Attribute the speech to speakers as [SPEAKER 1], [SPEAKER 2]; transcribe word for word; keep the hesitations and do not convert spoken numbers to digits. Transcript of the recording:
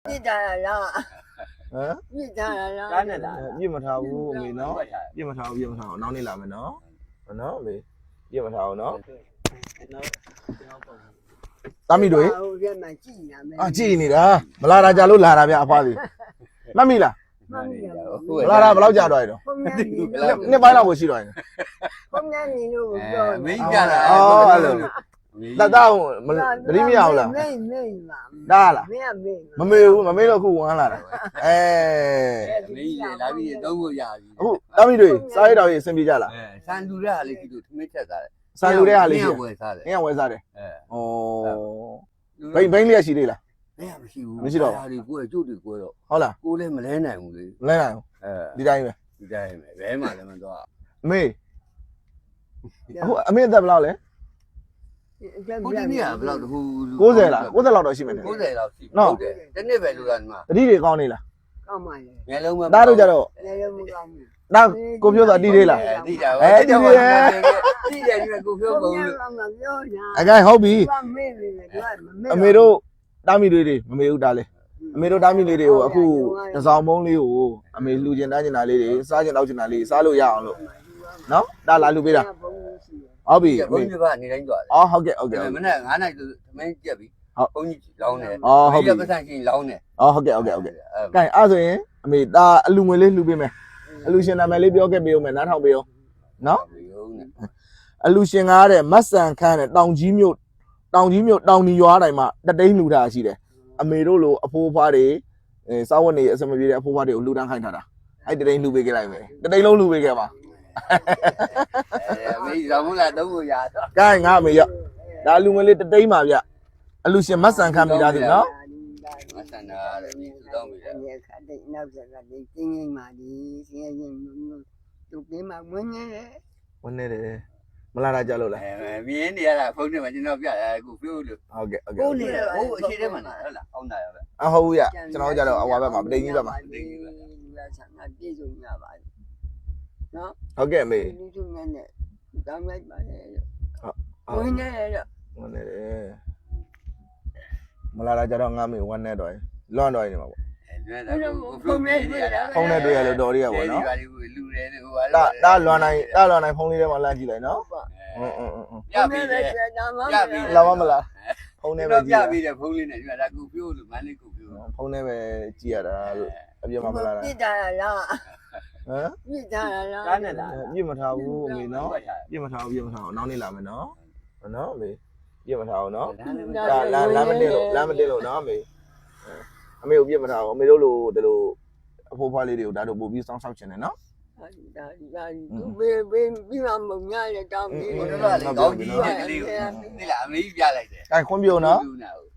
[SPEAKER 1] ပြစ်တာလား
[SPEAKER 2] ဟမ်
[SPEAKER 1] ပြစ်တာလား
[SPEAKER 3] ကားနဲ့လား
[SPEAKER 2] ပြစ်မထားဘူးအမေနော်ပြစ်မထားဘူးပြစ်မထားအောင်နောက်နေ့လာမယ်နော်နော်အမေပြစ်မထားအောင်နော်တာမီတို့
[SPEAKER 1] ဟိုထဲမှာကြည်နေမယ်
[SPEAKER 2] အာကြည်နေတာမလာတာကြလို့လာတာဗျအဖွားစီမှတ်မိလား
[SPEAKER 1] မှန်တယ်
[SPEAKER 2] မလာတာဘယ်လောက်ကြာတော့ရတော့
[SPEAKER 1] ဘုံနဲ့နေလို့
[SPEAKER 2] နှစ်ပိုင်းလောက်ကိုရှိတော့ရင်
[SPEAKER 1] ဘုံနဲ့နေလို့ပြော
[SPEAKER 3] မင်းကြတာ
[SPEAKER 2] အော်အဲ့လိုတတ်တော့မတိမရဘူးလား
[SPEAKER 1] မေးမေးပါ
[SPEAKER 2] ဒါလား
[SPEAKER 1] မင်းမေး
[SPEAKER 2] မမေဘူးမမေတော့ခုဝမ်းလာတာအဲ
[SPEAKER 3] မင်းကြီးလာပြီးတော့ဖို့ရပြီ
[SPEAKER 2] အခုတာမီတို့စားရတော့ရေးအဆင်ပြေကြလား
[SPEAKER 3] အဲဆန်လူတဲ့ဟာလေးကြီးတို့ထမင်းချက်သားတယ်
[SPEAKER 2] စားလူတဲ့ဟာလေးရှိ
[SPEAKER 3] ဝယ်စားတယ်
[SPEAKER 2] အင်းဝဲစားတယ်
[SPEAKER 3] အဲ
[SPEAKER 2] ဩဘိန်းဘိန်းလေးရှိသေးလား
[SPEAKER 3] မင်းမရှိဘူး
[SPEAKER 2] မရှိတော့
[SPEAKER 3] ဟာဒီကိုယ်ကျုပ်တွေကိုယ်တော့
[SPEAKER 2] ဟုတ်လား
[SPEAKER 3] ကိုယ်လည်းမလဲနိုင်ဘူးလေ
[SPEAKER 2] လဲနိုင်အောင်
[SPEAKER 3] အဲဒီ
[SPEAKER 2] တိုင်းပဲ
[SPEAKER 3] ဒီတိုင်းပဲဘဲမှလည်းမတော့
[SPEAKER 2] အမေအခုအမေအသက်ဘယ်လောက်လဲ
[SPEAKER 3] ကိုဒီနေ့ကဘယ်လောက်တခု
[SPEAKER 2] 90လား90လောက်တော့ရှိမယ်
[SPEAKER 3] 90လောက်ရှိဟုတ်တယ်တနေ့ပဲလို့ကဒီမှာ
[SPEAKER 2] တတိတွေကောင်းနေလား
[SPEAKER 1] ကောင်းပါလေ
[SPEAKER 3] ငယ်လုံးပဲ
[SPEAKER 2] ဒါတို့ကြတော့
[SPEAKER 1] လည်းလည်းမကောင်းဘူး
[SPEAKER 2] ဒါကိုပြောတာတီးသေးလား
[SPEAKER 3] တိတာပဲတိတယ်တိတယ်ဒီကိုပြော
[SPEAKER 1] ဘုံ
[SPEAKER 3] ကုန်
[SPEAKER 1] နဲ့
[SPEAKER 3] လို့
[SPEAKER 1] မပြောညာ
[SPEAKER 2] အကဲဟုတ်ပြီ
[SPEAKER 1] ဘာမေးနေလဲသူကမမေး
[SPEAKER 2] အမေတို့တာမီတွေတွေမမေဘူးတားလေအမေတို့တာမီလေးတွေကိုအခုတစောင်းမုံလေးကိုအမေလှူကျင်တန်းကျင်တာလေးတွေစားကျင်တော့ကျင်တာလေးစားလို့ရအောင်လို့နော်ဒါလာလှူပေးတာ
[SPEAKER 1] ဘုံရှိတယ်
[SPEAKER 2] ဟုတ်ပြီ
[SPEAKER 3] ဘုန်းကြီးကနေတိုင်းသွားတယ်
[SPEAKER 2] အော်ဟုတ်ကဲ့ဟုတ်ကဲ့
[SPEAKER 3] မနေ့9နိုင်ဆိုသမင်းကြက်ပြီဘုန်းကြီးလောင်းတယ်
[SPEAKER 2] အော်ဟုတ်ပြီ
[SPEAKER 3] ပတ်စံချင်းလောင်းတယ်
[SPEAKER 2] အော်ဟုတ်ကဲ့ဟုတ်ကဲ့ဟုတ်ကဲ့ကဲအဲ့ဆိုရင်အမေဒါအလူငွေလေးလှူပေးမယ်အလူရှင်နာမည်လေးပြောခဲ့ပေးဦးမယ်နားထောင်ပေးဦးနော်အလူရှင်ကားတဲ့မတ်ဆန်ခန်းတဲ့တောင်ကြီးမြို့တောင်ကြီးမြို့တောင်ဒီရွာတိုင်းမှာတတိန်းလှူထားရှိတယ်အမေတို့လိုအဖိုးအဖွားတွေအဲစားဝတ်နေအစမပြေတဲ့အဖိုးအဖွားတွေကိုလှူဒန်းခိုင်းထားတာအဲ့တတိန်းလှူပေးခဲ့လိုက်မယ်တတိန်းလုံးလှူပေးခဲ့ပါ
[SPEAKER 3] အဲမင်းရောင်းလာတော့ကိုရတော့
[SPEAKER 2] ကဲငါအမေရောက်ဒါလူငွေလေးတတိန်းပါဗျအလူရှင်မတ်ဆန်ခန်းမိသားစုနော်
[SPEAKER 3] မဆန်တာလည်းပြီးသူတော့ပြီလေ
[SPEAKER 1] ဒီခါတဲ့နောက်ဆက်ကဒီကျင်းငိမ့်ပါဒီစင်းရင်သူပြင်းမှာဝင်နေတယ်
[SPEAKER 2] ဝင်နေတယ်မလာတာကြလို့လား
[SPEAKER 3] အဲမြင်းနေရတာဖုန်းထဲမှာကျွန်တော်ပြတယ်အခုပြောလို့
[SPEAKER 2] ဟုတ်ကဲ့ဟုတ်ကဲ့
[SPEAKER 3] ကိုနေတယ်ဟိုအရှိတဲမှာလားဟုတ်လားအောင်းတာရပဲ
[SPEAKER 2] အဟုတ်ရကျွန်တော်ကြတော့အဝါဘက်မှာပတိန်ကြီးဘက်မှာ
[SPEAKER 1] ဒီကဆန္ဒပြေဆုံးရပါနော်
[SPEAKER 2] ဟုတ်ကဲ့အမေ
[SPEAKER 1] ဒီသူနဲ့နဲ့တောင်းလိုက်ပါလေ
[SPEAKER 2] ဟုတ်
[SPEAKER 1] ဝင်နေတယ်
[SPEAKER 2] ဝင်နေတယ်မလာတာကြတော့ငါမေဝမ်းနေတော့လွန်တော့နေမှာပေါ့
[SPEAKER 3] ဖုန်းနဲ့တွေ့တာ
[SPEAKER 2] ဖုန်းနဲ့တွေ့ရလို့တော်ရရပေါ့နော်
[SPEAKER 3] ဒီပါလေးကိုလူတယ်ဟိုပါ
[SPEAKER 2] ဒါဒါလွန်နိုင်ဒါလွန်နိုင်ဖုန်းလေးထဲမှာလမ်းကြည့်လိုက်နော်အင်းအင်းအင်း
[SPEAKER 3] ပြပြီးတယ်ပြပြီး
[SPEAKER 2] လာမမလားဖုန်းနဲ့ပဲ
[SPEAKER 3] တော့
[SPEAKER 2] ကြ
[SPEAKER 3] ပြည့်
[SPEAKER 2] ည့်
[SPEAKER 3] ပြီးတယ်ဖုန်းလေးနဲ့ဒီမှာဒါကိုပြောလို့မန်းလေးကိုပြော
[SPEAKER 2] ဖုန်းနဲ့ပဲကြည့်ရတာလို့အပြစ်မမလာတာ
[SPEAKER 1] ပြစ်တာလား
[SPEAKER 2] ဟမ်
[SPEAKER 1] ပြစ်တာလား
[SPEAKER 3] ကားနဲ့လား
[SPEAKER 2] ပြစ်မထားဘူးအမေနော်ပြစ်မထားဘူးပြစ်မထားအောင်နောက်နေ့လာမယ်နော်နော်အမေပြစ်မထားအောင်နော်ဒါလမ်းလမ်းမတင်လို့လမ်းမတင်လို့နော်အမေအမေကိုပြစ်မထားအောင်အမေတို့လိုဒီလိုအဖိုးဖွားလေးတွေကိုဒါတို့ပို့ပြီးစောင်းဆောက်ချင်တယ်နော်
[SPEAKER 1] ဒါဒါသူဘေးဘေးပြီးမှမငါရတောင်းပြီး
[SPEAKER 3] ဟိုတော့လေကောင်းကြီးနဲ့ကလေးကိုဒီလားအမေကြီးပြလိုက်တယ်
[SPEAKER 2] အဲခွန်ပြုံနော်
[SPEAKER 3] လူနာကို